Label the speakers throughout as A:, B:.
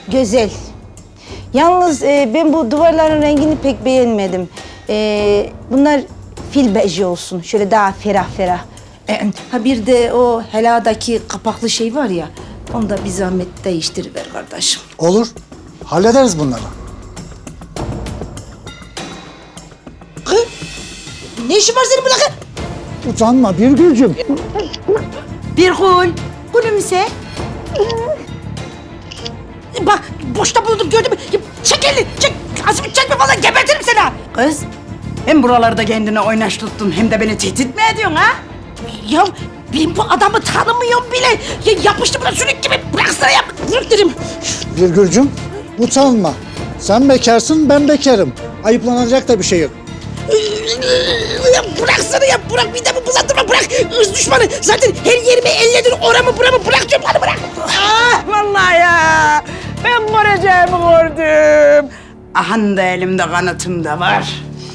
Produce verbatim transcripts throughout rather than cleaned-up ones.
A: Güzel. Yalnız e, ben bu duvarların rengini pek beğenmedim. E, bunlar fil beji olsun. Şöyle daha ferah ferah. E, ha bir de o heladaki kapaklı şey var ya. Onu da bir zahmet değiştiriver kardeşim.
B: Olur. Hallederiz bunları.
A: Kız, ne işin var senin burada kız?
B: Utanma Birgül'cüm.
A: Bir gül. Gülümse. Bak boşta buldum gördün mü? Çek elini çek. Azmi çekme falan gebertirim seni ha.
C: Kız, hem buralarda kendine oynaş tuttun hem de beni tehdit mi ediyorsun ha?
A: Ya ben bu adamı tanımıyorum bile. Ya, yapıştı buna sürük gibi. Bıraksana yap. Bırak dedim.
B: Birgül'cüm utanma. Sen bekarsın ben bekarım. Ayıplanacak da bir şey yok.
A: Ya bıraksana ya. Bırak bir de bu bulandırma. Bırak. Irz düşmanı. Zaten her yerimi elledin. Oramı buramı bırak diyorum. Hadi bırak.
C: Ah vallahi ya, ben göreceğimi gördüm. Ahan da elimde kanıtım da var.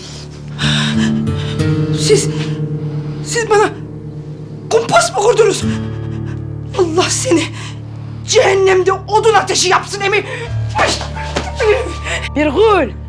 A: Siz, siz bana kumpas mı kurdunuz? Allah seni cehennemde odun ateşi yapsın Emi.
C: Bir gül,